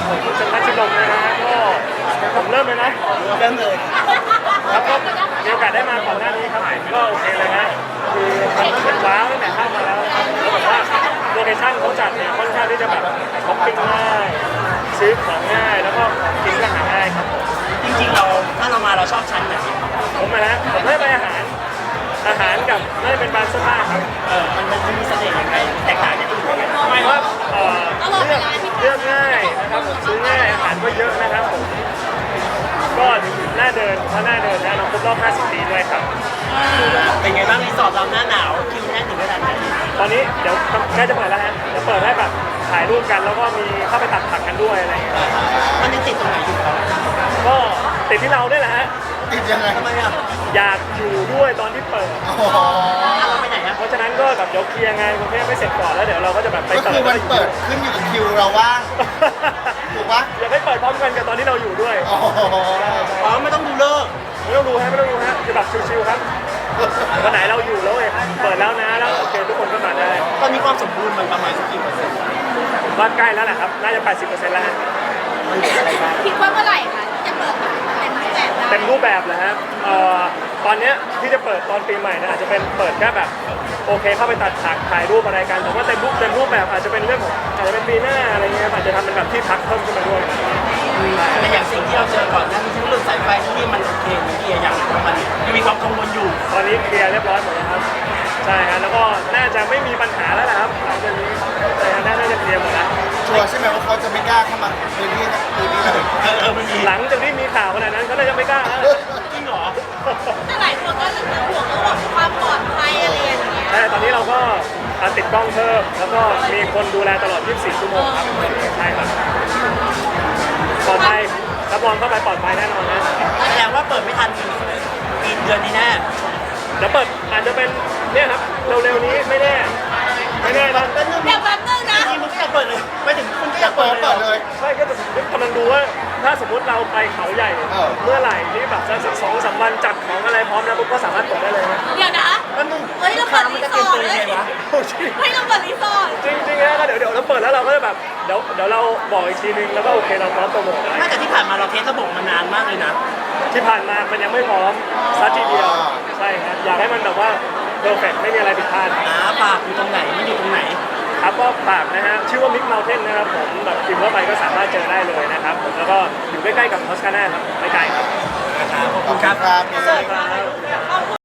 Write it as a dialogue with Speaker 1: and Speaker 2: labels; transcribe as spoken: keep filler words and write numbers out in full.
Speaker 1: ผมชันทัชชินนท์นะฮะก็ผมเริ่มเลยนะ
Speaker 2: เริ่มเลย
Speaker 1: ครับก็มีโอกาสได้มาก่อนหน้านี้ครับก็โอเคเลยนะคือมันเป็นว้าวตั้งแต่เข้ามาแล้วนะครับแล้วแบบว่าโลเคชั่นเขาจัดเนี่ยค่อนข้างที่จะแบบช้อปปิ้งง่ายซื้อของง่ายแล้วก็ของกินก็หาง่ายครับผม
Speaker 2: จริงๆเราถ้าเรามาเราชอบชั้นไหน
Speaker 1: ผมนะฮะผมให้ไปอาหารอาหารกับน่าจะเป็นบานเสื้อผ้าครับ
Speaker 2: เออมันมันมีเสน่ห์ยังไงแตกต่างจากที่อื่นยังไง
Speaker 1: ไม่ว่าเอ่อเลือกเลือกง่ายนะครับผมซื้อง่ายอาหารก็เยอะนะครับผมก็น่าเดินเพราะน่าเดินนะเราครบรอบ50ปีด้วยครับ
Speaker 2: เป็นไงบ้างรีสอร์ทเราหน้าหนาวคิวแน่นถึงขนาดไหน
Speaker 1: ตอนนี้เดี๋ยวใกล้จะเปิดแล้วฮะเดี๋ยวเปิดให้แบบถ่ายรูปกันแล้วก็มีเข้าไปตัดผักกันด้วยอะไรอย่างเงี้ย
Speaker 2: มันยังติดตรงไหนอยู่ครับ
Speaker 1: ก็ติดที่เราด้วยแหละฮะ
Speaker 3: ติดยังไง
Speaker 2: ทำไมอ่ะ
Speaker 1: อยากอยู่ด้วยตอนที่เปิด
Speaker 3: โอ้โห
Speaker 2: เราไปไหนอ่ะ
Speaker 1: เพราะฉะนั้นก็แบบเดี๋ยวเคลียร์งานกรุงเทพไม่เสร็จก่อนแล้วเดี๋ยวเราก็จะแบบไป
Speaker 3: ก็
Speaker 1: เปิด
Speaker 3: คือมันเปิดขึ้นอยู่กับคิวเราว่าง ถูกปะ
Speaker 1: อยากให้เปิดพร้อมกันกับตอนที่เราอยู่ด้วย
Speaker 3: โอ้โห
Speaker 2: อ๋อไม่ต้องดูเลิก
Speaker 1: ไม่ต้องดูฮะไม่ต้องดูฮะคือแบบชิวๆครับวันไหนเราอยู่แล้วเองเปิดแล้วนะแล้วโอเคทุกคนก็มาได้
Speaker 2: ตอนนี้ความสมบูรณ์มันประมาณสักกี่เปอร์เซ็นต์
Speaker 1: ผมว่าใกล้แล้วแหละครับน่าจะ แปดสิบเปอร์เซ็นต์ แล้วฮะ
Speaker 2: มันเหลืออะไรบ้าง
Speaker 4: คิดว่าเมื่อไหร่คะที่จะเปิดแบบเต็มรูปแบบได้
Speaker 1: เต็มรูปแบบแล้วฮะเอ่อตอนเนี้ยที่จะเปิดตอนปีใหม่นะอาจจะเป็นเปิดแค่แบบโอเคเข้าไปตัดฉากถ่ายรูปอะไรกันแต่ว่าเต็มรูปเต็มรูปแบบอาจจะเป็นเรื่องของอาจจะเป็นปีหน้าอะไรเงี้ยอาจจะทำเป็นแบบที่พักเพิ่มขึ้นมาด้วย
Speaker 2: แต่อย่างสิ่งที่เราเจอก่อนหนั้นที่เรื่องสายไฟที่มันโอเคมันดีอย่างมันยังมีความกังวลอยู่
Speaker 1: ตอนนี้เคลียร์เรียบร้อยหมดแล้วครับใช่ฮะแล้วก็น่าจะไม่มีปัญหาแล้วแหละครับหลังจากนี้ใช่ฮะน่าจะเคลียร์หมดแล้ว
Speaker 3: ชัวร์ใช่ไหมว่าเขาจะไม่กล้าเข้ามาพื้นที่พื้นที่เลย
Speaker 2: เออเออมันมี
Speaker 1: หลังจากที่มีข่าวขนาดนั้นเขาน่าจะไม่กล้าแล้ว
Speaker 2: จริงเหรอ
Speaker 4: แต่หลายคนก็จะห่วงเรื่องความปลอดภัยอะไรอย่างเงี้ย
Speaker 1: ใช่ตอนนี้เราก็ติดกล้องเพิ่มแล้วก็มีคนดูแลตลอด ยี่สิบสี่ ชั่วโมงครับใช่ครับปลอดภัยรับรองเข้าไปปลอดภัยแน่นอนนะ
Speaker 2: แสดงว่าเปิดไม่ทันปีเดือนนี้แน่
Speaker 1: เดี๋ยวเปิดอาจจะเป็นเนี่ยครับเร็วๆนี้ไม่แน่ไม่แน่นะ
Speaker 2: เป็นเรื่อง
Speaker 4: เดี๋ยวแป๊บนึงนะ
Speaker 2: จริงๆมึงก็อยากเปิดเลยไม่ถึงคุณก็อยาก
Speaker 3: เปิ
Speaker 2: เปิ
Speaker 3: ด
Speaker 2: ดเลย
Speaker 3: เปิดเลย
Speaker 1: ใช่ก็กำลังดูว่าถ้าสมมติเราไปเขาใหญ่
Speaker 3: เออ
Speaker 1: เมื่อไหร่ที่แบบสักสองสามวันจัดของอะไรพร้อมแล้วปุ๊บก็สามารถเปิดได้เลยนะ
Speaker 4: เดี๋ยวนะ
Speaker 2: แล้วมึง
Speaker 4: เฮ้ยเรา
Speaker 2: ค้า
Speaker 4: เปิด
Speaker 2: มัน
Speaker 4: รี
Speaker 2: จะ
Speaker 4: ส
Speaker 2: เตรี
Speaker 4: อย
Speaker 2: ม
Speaker 4: ร์
Speaker 2: ตัวยังไงวะ
Speaker 4: เฮ้ยเราเปิดรีสอร์ท
Speaker 1: จริงจริงๆนะก็เดี๋ยวเดี๋ยวเราเปิดแล้วเราก็จะแบบเดี๋ยวเดี๋ยวเราบอกอีกทีนึงแล้วก็โอเคเราพร้อมโปรโมทอะไร
Speaker 2: ไม่แต่ที่ผ่านมาเราเทสระบบมานานมากเลยนะ
Speaker 1: ที่ผ่านมามันยังไม่พร้อมซัดทีเดียวใช่ครับอยากให้มันแบบว่าเพอร์เฟกไม่มีอะไรผิดพลาด
Speaker 2: อ่าปากอยู่ตรงไหนมันอยู่ตรงไหน
Speaker 1: ครับก็ฝากนะฮะชื่อว่ามิกเมลเทนนะครับผมแบบพิมพ์เข้าไปก็สามารถเจอได้เลยนะครับผมแล้วก็อยู่ใกล้ๆกับทอสคาน่าครับไม่ไกลครับ
Speaker 2: นะครับขอบ
Speaker 3: ข
Speaker 2: คุ
Speaker 3: อบ
Speaker 2: ณ
Speaker 3: คุ
Speaker 2: ครั
Speaker 3: ณ
Speaker 2: บ
Speaker 3: ครับ
Speaker 1: สวัสดีครับ